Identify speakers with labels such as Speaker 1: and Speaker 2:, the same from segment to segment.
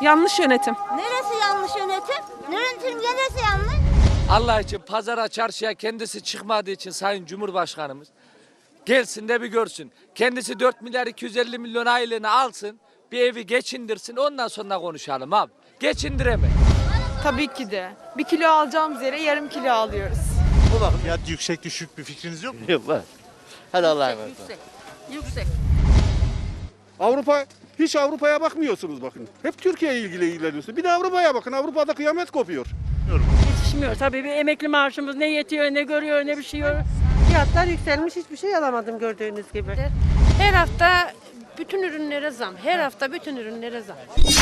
Speaker 1: Yanlış yönetim.
Speaker 2: Neresi yanlış yönetim? Yönetim neresi yanlış?
Speaker 3: Allah için pazara çarşıya kendisi çıkmadığı için Sayın Cumhurbaşkanımız gelsin de bir görsün. Kendisi 4 milyar 250 milyon aylığını alsın, bir evi geçindirsin, ondan sonra konuşalım abi. Geçindiremez.
Speaker 1: Tabii ki de. 1 kilo alacağımız yere yarım kilo alıyoruz.
Speaker 4: Fiyat yüksek düşük bir fikriniz yok mu?
Speaker 5: Yok var. Hadi Allah'a emanet.
Speaker 2: Yüksek.
Speaker 6: Hiç Avrupa'ya bakmıyorsunuz bakın. Hep Türkiye ile ilgileniyorsunuz. Bir de Avrupa'ya bakın. Avrupa'da kıyamet kopuyor.
Speaker 7: Yetişmiyor tabii. Bir emekli maaşımız ne yetiyor, ne görüyor, ne biçiyor.
Speaker 8: Fiyatlar yükselmiş, hiçbir şey alamadım gördüğünüz gibi.
Speaker 9: Her hafta bütün ürünlere zam. Her hafta bütün ürünlere zam.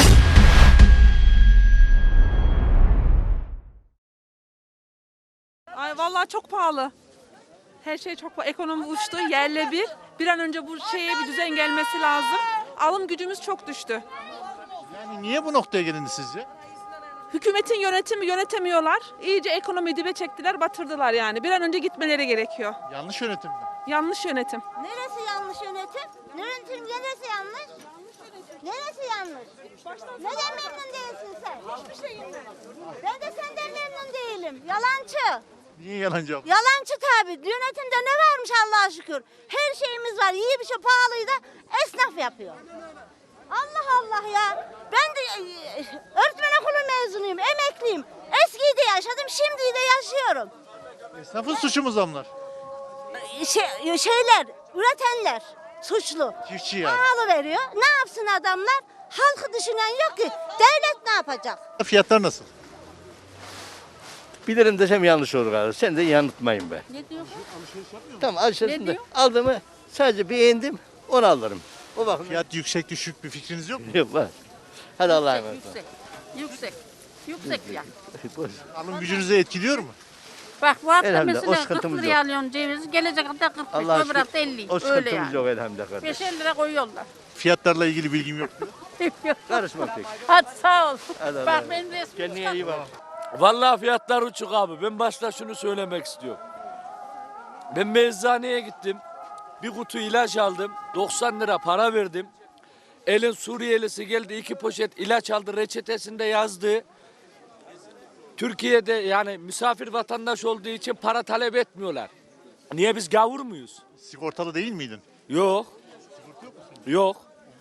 Speaker 1: Ay vallahi çok pahalı. Her şey çok pahalı. Ekonomi uçtu yerle bir. Bir an önce bu şeye bir düzen gelmesi lazım. Alım gücümüz çok düştü.
Speaker 4: Yani niye bu noktaya gelindi sizce?
Speaker 1: Hükümetin yönetimi yönetemiyorlar. İyice ekonomiyi dibe çektiler, batırdılar yani. Bir an önce gitmeleri gerekiyor.
Speaker 4: Yanlış yönetim mi?
Speaker 1: Yanlış yönetim.
Speaker 2: Neresi yanlış yönetim? Yönetim neresi yanlış? Neresi yanlış? Neden memnun değilsin sen? Hiçbir şeyim ben de senden memnun değilim. Yalancı.
Speaker 4: Niye yalancı abla?
Speaker 2: Yalancı tabii. Yönetimde ne varmış Allah'a şükür. Her şeyimiz var. İyi bir şey pahalıyı da esnaf yapıyor. Allah Allah ya. Ben de öğretmen okulu mezunuyum. Emekliyim. Eskiyi de yaşadım. Şimdiyi de yaşıyorum.
Speaker 4: Esnafın suçu mu zamlar?
Speaker 2: Şeyler, üretenler suçlu.
Speaker 4: Çiftçi yani.
Speaker 2: Pahalı veriyor. Ne yapsın adamlar? Halkı düşünen yok ki. Devlet ne yapacak?
Speaker 4: Fiyatlar nasıl?
Speaker 5: Bilirim desem yanlış olur galiba. Sen de yanıltmayın be.
Speaker 9: Ne diyor?
Speaker 5: Tamam alışverişinde aldığımı sadece beğendim onu alırım. O bakın.
Speaker 4: Fiyat yüksek düşük bir fikriniz yok mu?
Speaker 5: Yok var. Hadi Allah'a emanet.
Speaker 9: Yüksek. Yüksek fiyat.
Speaker 4: Alım gücünüzü etkiliyor mu?
Speaker 9: Bak bu hafta
Speaker 5: Elhamdülillah, o
Speaker 9: mesela 40
Speaker 5: sıkıntımız
Speaker 9: liraya
Speaker 5: yok.
Speaker 9: alıyorsun cevizi. Gelecek hafta 45,
Speaker 5: Allah'a
Speaker 9: öbür
Speaker 5: şükür.
Speaker 9: hafta 50.
Speaker 5: O
Speaker 9: Öyle
Speaker 5: sıkıntımız
Speaker 9: yani.
Speaker 5: yok elhamdülillah kardeşim.
Speaker 9: 5-50 lira koyuyorlar.
Speaker 4: Fiyatlarla ilgili bilgim yok.
Speaker 5: Karışma pek.
Speaker 9: Hadi sağ ol.
Speaker 5: Hadi Allah'a
Speaker 9: Bak
Speaker 5: emanet.
Speaker 9: benim resmim
Speaker 5: Kendine iyi bak.
Speaker 3: Vallahi fiyatlar uçuk abi. Ben başta şunu söylemek istiyorum. Ben bir eczaneye gittim. Bir kutu ilaç aldım. 90 lira para verdim. Elin Suriyelisi geldi 2 poşet ilaç aldı. Reçetesinde yazdı. Türkiye'de yani misafir vatandaş olduğu için para talep etmiyorlar. Niye biz gavur muyuz?
Speaker 4: Sigortalı değil miydin?
Speaker 3: Yok. Yok.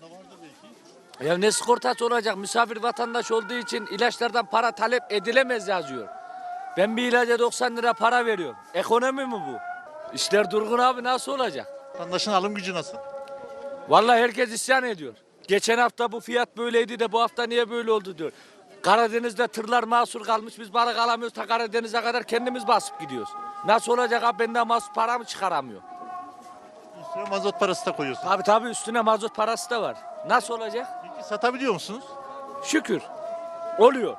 Speaker 3: Ya ne sigortası olacak? Misafir vatandaş olduğu için ilaçlardan para talep edilemez yazıyor. Ben bir ilaca 90 lira para veriyorum. Ekonomi mi bu? İşler durgun abi, nasıl olacak?
Speaker 4: Vatandaşın alım gücü nasıl?
Speaker 3: Vallahi herkes isyan ediyor. Geçen hafta bu fiyat böyleydi de bu hafta niye böyle oldu diyor. Karadeniz'de tırlar mahsur kalmış, biz balık alamıyoruz, ta Karadeniz'e kadar kendimiz basıp gidiyoruz. Nasıl olacak abi, benden mahsur paramı çıkaramıyor.
Speaker 4: Üstüne mazot parası da koyuyorsun.
Speaker 3: Tabii üstüne mazot parası da var. Nasıl olacak?
Speaker 4: Peki satabiliyor musunuz?
Speaker 3: Şükür. Oluyor.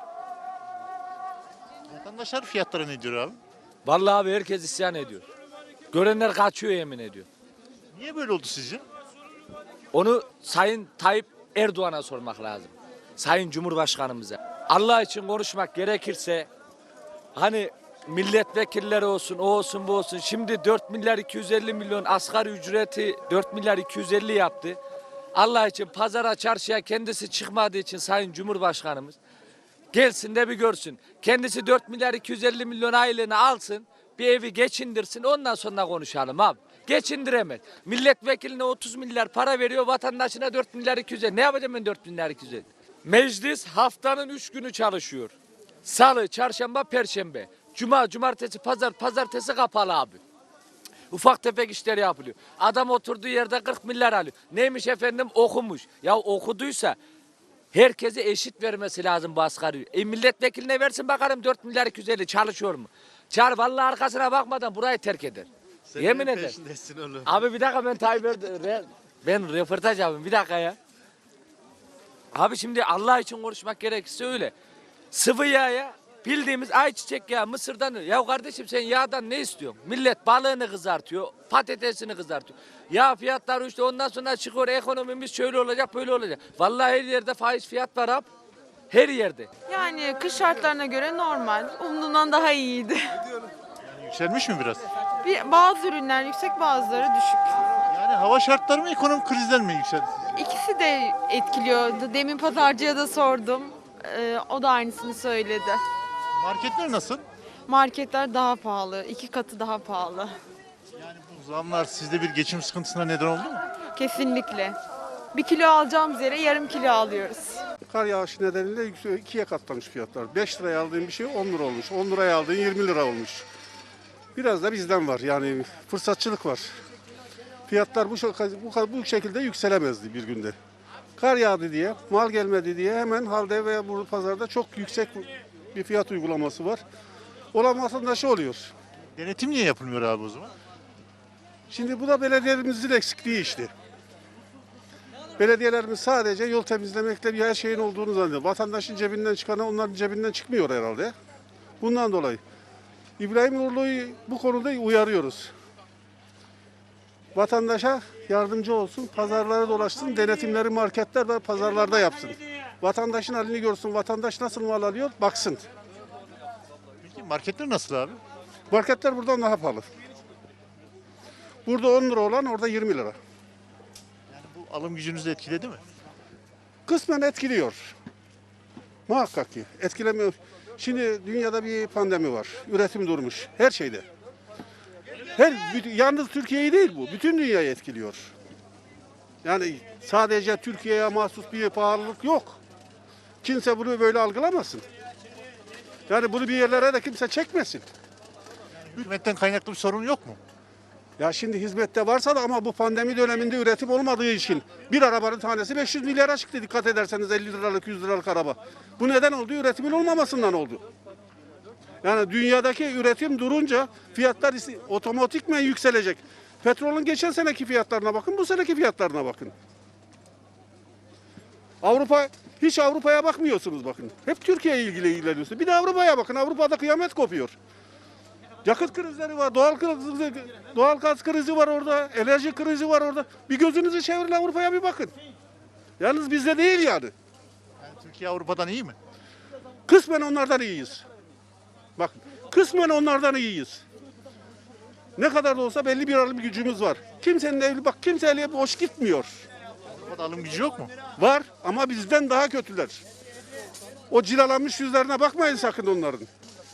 Speaker 4: Vatandaşlar fiyatlara ne diyor abi?
Speaker 3: Vallahi abi herkes isyan ediyor. Görenler kaçıyor, yemin ediyor.
Speaker 4: Niye böyle oldu sizce?
Speaker 3: Onu Sayın Tayyip Erdoğan'a sormak lazım. Sayın Cumhurbaşkanımıza. Allah için konuşmak gerekirse hani milletvekilleri olsun, o olsun, bu olsun. Şimdi 4 milyar 250 milyon asgari ücreti 4 milyar 250 yaptı. Allah için pazara çarşıya kendisi çıkmadığı için Sayın Cumhurbaşkanımız gelsin de bir görsün. Kendisi 4 milyar 250 milyon aylığını alsın, bir evi geçindirsin, ondan sonra konuşalım abi. Geçindiremez. Milletvekiline 30 milyar para veriyor, vatandaşına 4 milyar 250. Ne yapacağım ben 4 milyar 250? Meclis haftanın 3 günü çalışıyor. Salı, çarşamba, perşembe. Cuma, cumartesi, pazar, pazartesi kapalı abi. Ufak tefek işler yapılıyor. Adam oturduğu yerde 40 milyar alıyor. Neymiş efendim? Okumuş. Ya okuduysa herkese eşit vermesi lazım bu asgari. Milletvekiline versin bakalım 4 milyar 250 çalışıyor mu? Çağır, vallahi arkasına bakmadan burayı terk eder. Yemin ederim. Abi bir dakika, ben ben röportaj yapayım bir dakika ya. Abi şimdi Allah için konuşmak gerekirse öyle. Sıvı yağ ya. Bildiğimiz ayçiçek yağı Mısır'dan. Ya kardeşim sen yağdan ne istiyorsun? Millet balığını kızartıyor, patatesini kızartıyor. Yağ fiyatları işte ondan sonra çıkıyor, ekonomimiz şöyle olacak, böyle olacak. Vallahi her yerde faiz fiyat var abi. Her yerde.
Speaker 1: Yani kış şartlarına göre normal. Umduğumdan daha iyiydi.
Speaker 4: Yani yükselmiş mi biraz?
Speaker 1: Bazı ürünler yüksek, bazıları düşük.
Speaker 4: Yani hava şartları mı, ekonomik krizden mi yükseldi sizce?
Speaker 1: İkisi de etkiliyor. Demin pazarcıya da sordum. O da aynısını söyledi.
Speaker 4: Marketler nasıl?
Speaker 1: Marketler daha pahalı. 2 katı daha pahalı.
Speaker 4: Yani bu zamlar sizde bir geçim sıkıntısına neden oldu mu?
Speaker 1: Kesinlikle. 1 kilo alacağımız yere yarım kilo alıyoruz.
Speaker 6: Kar yağışı nedeniyle ikiye katlamış fiyatlar. 5 liraya aldığın bir şey 10 lira olmuş. 10 liraya aldığın 20 lira olmuş. Biraz da bizden var yani fırsatçılık var. Fiyatlar bu şekilde yükselemezdi bir günde. Kar yağdı diye, mal gelmedi diye hemen halde veya burada pazarda çok yüksek bir fiyat uygulaması var. Olan vatandaşı oluyor.
Speaker 4: Denetim niye yapılmıyor abi o zaman?
Speaker 6: Şimdi bu da belediyelerimizin eksikliği işte. Belediyelerimiz sadece yol temizlemekle bir her şeyin olduğunu zannediyor. Vatandaşın cebinden çıkanı onların cebinden çıkmıyor herhalde. Bundan dolayı. İbrahim Uğurlu'yu bu konuda uyarıyoruz. Vatandaşa yardımcı olsun, pazarlara dolaşsın, denetimleri marketler ve pazarlarda yapsın. Vatandaşın halini görsün, vatandaş nasıl mal alıyor baksın.
Speaker 4: Peki marketler nasıl abi?
Speaker 6: Marketler buradan daha pahalı. Burada 10 lira olan orada 20 lira.
Speaker 4: Yani bu alım gücünüzü etkiledi mi?
Speaker 6: Kısmen etkiliyor. Muhakkak ki etkilemiyor. Şimdi dünyada bir pandemi var. Üretim durmuş. Her şeyde. Yalnız Türkiye'yi değil bu. Bütün dünyayı etkiliyor. Yani sadece Türkiye'ye mahsus bir pahalılık yok. Kimse bunu böyle algılamasın. Yani bunu bir yerlere de kimse çekmesin.
Speaker 4: Hükümetten kaynaklı bir sorun yok mu?
Speaker 6: Ya şimdi hizmette varsa da ama bu pandemi döneminde üretim olmadığı için bir arabanın tanesi 500 milyara çıktı dikkat ederseniz 50 liralık 100 liralık araba. Bu neden oldu? Üretimin olmamasından oldu. Yani dünyadaki üretim durunca fiyatlar otomatikmen yükselecek. Petrolün geçen seneki fiyatlarına bakın, bu seneki fiyatlarına bakın. Hiç Avrupa'ya bakmıyorsunuz bakın. Hep Türkiye'ye ilgileniyorsunuz. Bir de Avrupa'ya bakın. Avrupa'da kıyamet kopuyor. Yakıt krizleri var, doğal gaz krizi var orada, enerji krizi var orada. Bir gözünüzü çevirin Avrupa'ya bir bakın. Yalnız bizde değil yani.
Speaker 4: Yani Türkiye Avrupa'dan iyi mi?
Speaker 6: Kısmen onlardan iyiyiz. Bakın, kısmen onlardan iyiyiz. Ne kadar da olsa belli bir alım gücümüz var. Kimsenin evli bak kimse eli boş gitmiyor.
Speaker 4: Avrupa'da alım gücü yok mu?
Speaker 6: Var ama bizden daha kötüler. O cilalanmış yüzlerine bakmayın sakın onların.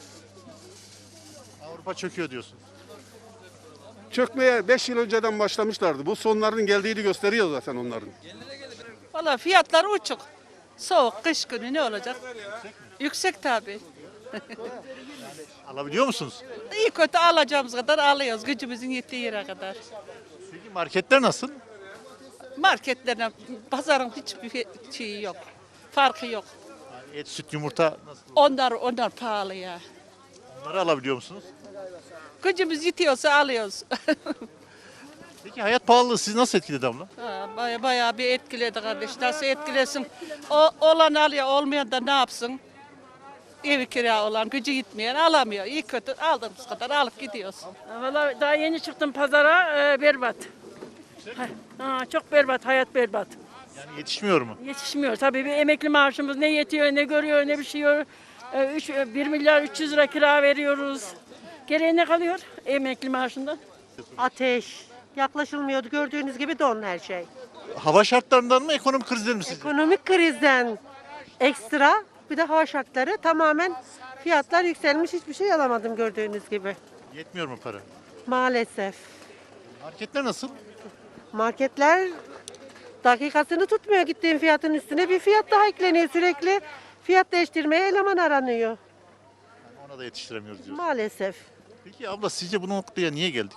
Speaker 4: Avrupa çöküyor diyorsun.
Speaker 6: Çökmeye 5 yıl önceden başlamışlardı. Bu sonlarının geldiğini gösteriyor zaten onların.
Speaker 1: Valla fiyatlar uçuk. Soğuk, kış günü ne olacak? Yüksek tabii.
Speaker 4: Alabiliyor musunuz?
Speaker 1: İyi kötü alacağımız kadar alıyoruz. Gücümüzün yettiği yere kadar.
Speaker 4: Peki marketler nasıl?
Speaker 1: Marketlerine, pazarın hiçbir şeyi yok. Farkı yok.
Speaker 4: Yani et, süt, yumurta nasıl?
Speaker 1: Onlar pahalı ya.
Speaker 4: Onları alabiliyor musunuz?
Speaker 1: Gücümüz yetiyorsa alıyoruz.
Speaker 4: Peki hayat pahalılığı sizi nasıl etkiledi abla?
Speaker 1: Bayağı bir etkiledi kardeş. Nasıl etkilesin? Olan alıyor, olmayan da ne yapsın? Evi kira olan, gücü gitmeyen alamıyor. İyi kötü aldığımız kadar alıp gidiyoruz.
Speaker 7: Vallahi daha yeni çıktım pazara, berbat. Çok berbat, hayat berbat.
Speaker 4: Yani yetişmiyor mu?
Speaker 7: Yetişmiyor. Tabii bir emekli maaşımız ne yetiyor, ne görüyor, ne bir şey yok. 1 milyar 300 lira kira veriyoruz. Geriye ne kalıyor emekli maaşından?
Speaker 8: Ateş. Yaklaşılmıyordu. Gördüğünüz gibi don her şey.
Speaker 4: Hava şartlarından mı ekonomik krizler mi sizce?
Speaker 8: Ekonomik krizden ekstra bir de hava şartları tamamen fiyatlar yükselmiş. Hiçbir şey alamadım gördüğünüz gibi.
Speaker 4: Yetmiyor mu para?
Speaker 8: Maalesef.
Speaker 4: Marketler nasıl?
Speaker 8: Marketler dakikasını tutmuyor gittiğin fiyatın üstüne bir fiyat daha ekleniyor sürekli. Fiyat değiştirmeye eleman aranıyor.
Speaker 4: Yani ona da yetiştiremiyoruz diyoruz.
Speaker 8: Maalesef.
Speaker 4: Peki abla sizce bu noktaya niye geldik?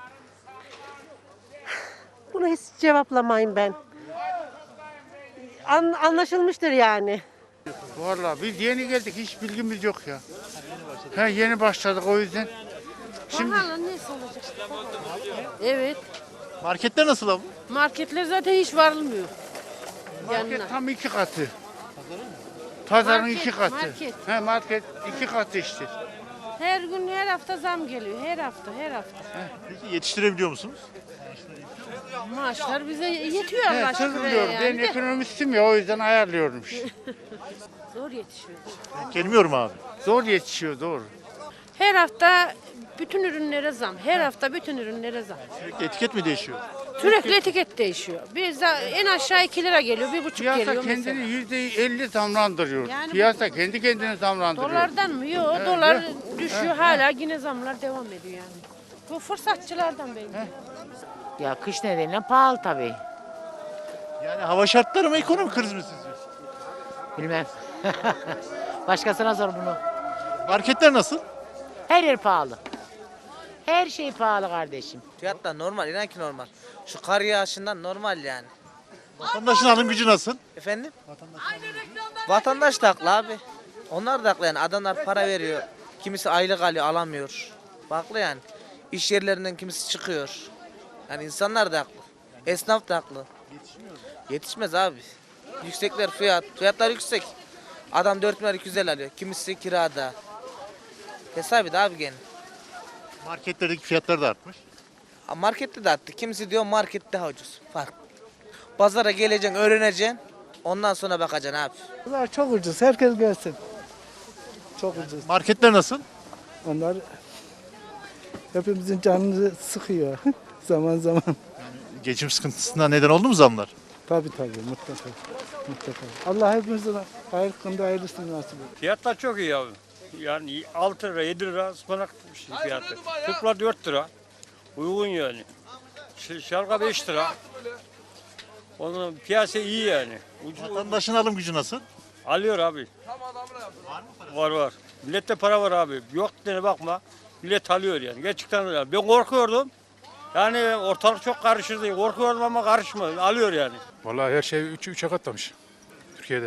Speaker 8: Bunu hiç cevaplamayın ben. Anlaşılmıştır yani.
Speaker 10: Vallahi biz yeni geldik, hiç bilgimiz yok ya. Yeni başladık o yüzden. Şimdi
Speaker 9: Pahalı neyse olacak. Evet.
Speaker 4: Marketler nasıl abla?
Speaker 9: Marketler zaten hiç varılmıyor.
Speaker 10: market
Speaker 9: Yanına.
Speaker 10: tam 2 katı. Pazarın
Speaker 9: Market,
Speaker 10: 2 katı.
Speaker 9: market.
Speaker 10: Market 2 katı işte.
Speaker 9: Her gün her hafta zam geliyor. Her hafta.
Speaker 4: Peki yetiştirebiliyor musunuz?
Speaker 9: Maaşlar bize yetiyor Allah aşkına
Speaker 10: Sızılıyor. Ben
Speaker 9: yani.
Speaker 10: ekonomistim ya, o yüzden ayarlıyorum işte.
Speaker 9: Zor yetişiyor.
Speaker 4: Gelmiyor mu abi?
Speaker 10: Zor yetişiyor, doğru.
Speaker 9: Her hafta bütün ürünlere zam. Her hafta bütün ürünlere zam.
Speaker 4: Sürekli etiket mi değişiyor?
Speaker 9: Sürekli etiket değişiyor. Bizde en aşağı 2 lira geliyor, 1,5
Speaker 10: Piyasa
Speaker 9: geliyor
Speaker 10: kendini
Speaker 9: mesela.
Speaker 10: %50 zamlandırıyor.
Speaker 9: Yani
Speaker 10: Piyasa kendi kendini zamlandırıyor.
Speaker 9: Dolardan mı? Yok, dolar düşüyor. Hala yine zamlar devam ediyor yani. Bu fırsatçılardan belli.
Speaker 11: Ya kış nedeniyle pahalı tabii.
Speaker 4: Yani hava şartları mı ekonomik kriz mi sizce?
Speaker 11: Bilmem. Başkasına sor bunu.
Speaker 4: Marketler nasıl?
Speaker 11: Her yer pahalı. Her şey pahalı kardeşim.
Speaker 12: Fiyatlar normal, inan ki normal. Şu kar yağışından normal yani.
Speaker 4: Vatandaşın alım gücü nasıl?
Speaker 12: Efendim? Vatandaş da haklı abi. Onlar da haklı yani. Adamlar para veriyor. Kimisi aylık alıyor, alamıyor. Haklı yani. İş yerlerinden kimisi çıkıyor. Yani insanlar da haklı. Esnaf da haklı. Yetişmez abi. Yüksekler fiyatlar yüksek. Adam 4 milyar 250 alıyor. Kimisi kirada. Hesabı da abi gene.
Speaker 4: Marketlerdeki fiyatlar da artmış.
Speaker 12: Markette de arttı. Kimisi diyor market daha ucuz. Fark. Pazara geleceksin, öğreneceksin. Ondan sonra bakacaksın abi.
Speaker 13: Bunlar çok ucuz. Herkes gelsin. Çok ucuz.
Speaker 4: Marketler nasıl?
Speaker 13: Onlar hepimizin canını sıkıyor zaman zaman.
Speaker 4: Geçim sıkıntısına neden oldu mu zamlar?
Speaker 13: Tabii mutlaka. Mutlaka. Allah hepimizin hayırlı hayırlısını nasip etsin.
Speaker 14: Fiyatlar çok iyi abi. Yani 6 lira 7 lira ıspanak fiyatı. Tupla 4 lira. Uygun yani. Şalga 5 lira. Onun piyasa iyi yani.
Speaker 4: Vatandaşın alım gücü nasıl?
Speaker 14: Alıyor abi. Var. Millette para var abi. Yok dediğine bakma. Millet alıyor yani. Gerçekten öyle. Ben korkuyordum. Yani ortalık çok karışırdı. Korkuyordum ama karışmadı. Alıyor yani.
Speaker 15: Vallahi her şey 3'e katlamış Türkiye'de.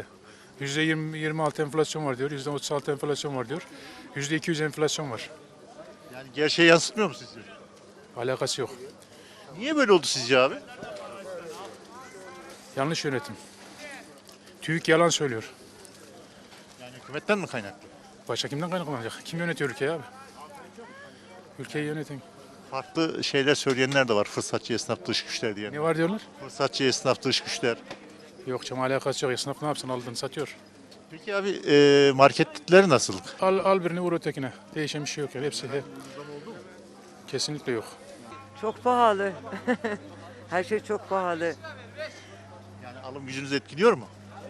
Speaker 15: %26 enflasyon var diyor, %36 enflasyon var diyor, %200 enflasyon var.
Speaker 4: Yani gerçeği yansıtmıyor mu sizce?
Speaker 15: Alakası yok.
Speaker 4: Niye böyle oldu sizce abi?
Speaker 15: Yanlış yönetim. TÜİK yalan söylüyor.
Speaker 4: Yani hükümetten mi kaynaklı?
Speaker 15: Başka kimden kaynaklanacak? Kim yönetiyor ülkeyi abi? Ülkeyi yöneten.
Speaker 4: Farklı şeyler söyleyenler de var. Fırsatçı esnaf dış güçler diye.
Speaker 15: Ne var diyorlar?
Speaker 4: Fırsatçı esnaf dış güçler.
Speaker 15: Yok canım, alakası yok. Esnaf ne yapsın? Aldığını satıyor.
Speaker 4: Peki abi marketler nasıl?
Speaker 15: Al birini vur ötekine. Değişen bir şey yok yani. Hepsi kesinlikle yok.
Speaker 13: Çok pahalı. Her şey çok pahalı.
Speaker 4: Yani alım gücünüzü etkiliyor mu?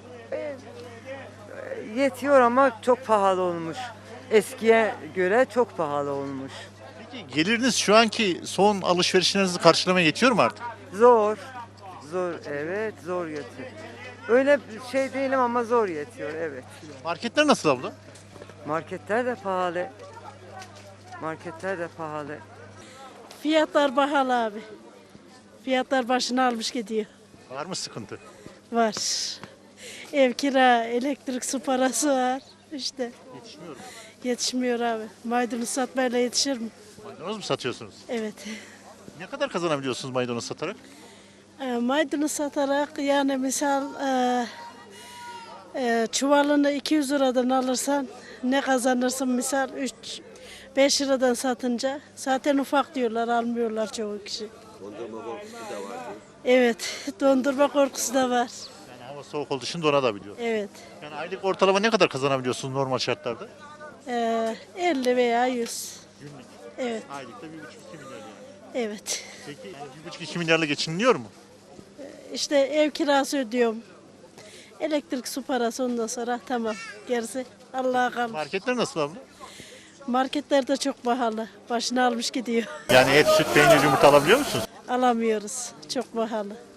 Speaker 13: Yetiyor ama çok pahalı olmuş. Eskiye göre çok pahalı olmuş.
Speaker 4: Peki geliriniz şu anki son alışverişlerinizi karşılamaya yetiyor mu artık?
Speaker 13: Zor. Evet zor yetiyor. Öyle bir şey değilim ama zor yetiyor evet.
Speaker 4: Marketler nasıl abla?
Speaker 13: Marketler de pahalı. Marketler de pahalı.
Speaker 7: Fiyatlar pahalı abi. Fiyatlar başını almış gidiyor.
Speaker 4: Var mı sıkıntı?
Speaker 7: Var. Ev kira, elektrik, su parası var. İşte
Speaker 4: Yetişmiyor mu?
Speaker 7: yetişmiyor abi. Maydanoz satmayla yetişir mi?
Speaker 4: Maydanoz mu satıyorsunuz?
Speaker 7: Evet.
Speaker 4: Ne kadar kazanabiliyorsunuz maydanoz satarak?
Speaker 7: Maydanoz satarak yani misal çuvalını 200 liradan alırsan ne kazanırsın misal 5 liradan satınca zaten ufak diyorlar, almıyorlar çoğu kişi.
Speaker 5: Dondurma korkusu da var.
Speaker 7: Evet, dondurma korkusu da var.
Speaker 4: Yani hava soğuk olduğu için donabiliyor.
Speaker 7: Evet.
Speaker 4: Yani aylık ortalama ne kadar kazanabiliyorsunuz normal şartlarda?
Speaker 7: 50 veya 100.
Speaker 4: Günlük.
Speaker 7: Evet.
Speaker 4: Aylıkta 1,5-2 milyar yani.
Speaker 7: Evet.
Speaker 4: Peki yani 1,5-2 milyarla geçiniliyor mu?
Speaker 7: İşte ev kirası ödüyorum. Elektrik, su parası ondan sonra tamam. Gerisi Allah'a kalmış.
Speaker 4: Marketler nasıl abla?
Speaker 7: Marketlerde çok pahalı. Başını almış gidiyor.
Speaker 4: Yani et, süt, peynir, yumurta alabiliyor musunuz?
Speaker 7: Alamıyoruz. Çok pahalı.